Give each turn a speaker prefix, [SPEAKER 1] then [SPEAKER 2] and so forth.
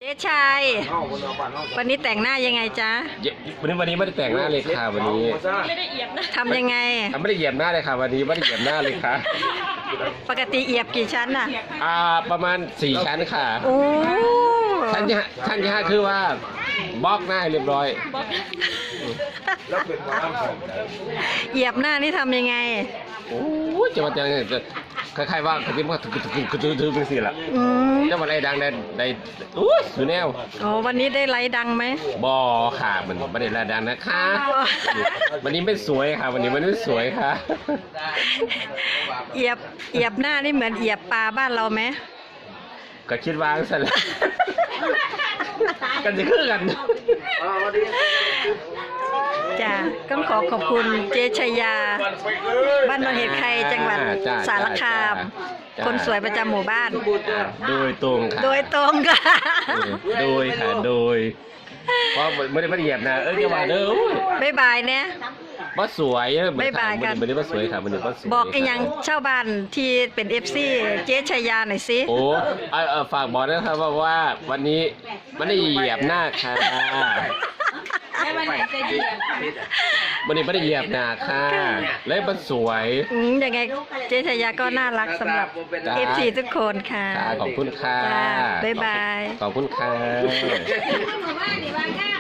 [SPEAKER 1] จ๊ชัยวันนี้แต่งหน้ายังไงจ๊ะ
[SPEAKER 2] วันนี้ไม่ได้แต่งหน้าเลยค่ะวันนี้
[SPEAKER 3] ไม่ได้เอียบนะ
[SPEAKER 1] ทำยังไง
[SPEAKER 2] ไม่ได้เหยียบหน้าเลยค่ะวันนี้ไม่ได้เหยียบหน้าเลยค่ะ
[SPEAKER 1] ปกติเอียบกี่ชั้นน่ะ
[SPEAKER 2] ประมาณ4 ชั้นค่ะ
[SPEAKER 1] โอ้
[SPEAKER 2] ชั้นที่5คือว่าบล็อกหน้าเรียบร้อย
[SPEAKER 1] เหยียบหน้านี่ทำยังไง
[SPEAKER 2] โอ้จะมาจะคล้ายๆว่าเขาคิดว่าถือเป็นสิละจะมาอะไรดังได้อยู่แนว
[SPEAKER 1] โอ้วันนี้ได้ไลค์ดังไหม
[SPEAKER 2] บ่ค่ะมันไม่ได้ดังนะคะวันนี้ไม่สวยค่ะวันนี้มันไม่สวยค่ะ
[SPEAKER 1] เหยียบหน้านี่เหมือนเหยียบปลาบ้านเราไหม
[SPEAKER 2] ก็คิดวางซะแล้วกันจะคือกัน
[SPEAKER 1] จ้ะต้องขอบคุณเจ๊ชัยยาบ้านนนเห็ดไข่จังหวัดสารคามคนสวยประจำหมู่บ้าน
[SPEAKER 2] โดยตรงค่ะ
[SPEAKER 1] โดยตรงค่ะ
[SPEAKER 2] โดยค่ะโดยเพราะไม่ได้เหยียบนะจะมาเด้อ
[SPEAKER 1] บ๊ายบายเนี่ย
[SPEAKER 2] ว่าสวย
[SPEAKER 1] บ๊ายบายกัน
[SPEAKER 2] ไม่ได้ว่าสวยค่ะมันว่าสวย
[SPEAKER 1] บอกกันยังชาวบ้านที่เป็น FC เจ๊ชัยยาหน่อยสิ
[SPEAKER 2] โอ้ฝากบอกนะครับว่าวันนี้มันได้เหยียบหน้าค่ะ
[SPEAKER 3] วันไหนจะเหยียบ
[SPEAKER 2] วันนี้ไม่ได้เหยียบหน้าค่ะแล้วมันสวย
[SPEAKER 1] ยังไงเจ๊ชัยยาก็น่ารักสำหรับ FC ทุกคนค่ะ
[SPEAKER 2] ขอบคุณค่ะ
[SPEAKER 1] บ๊ายบาย
[SPEAKER 2] ขอบคุณค่ะ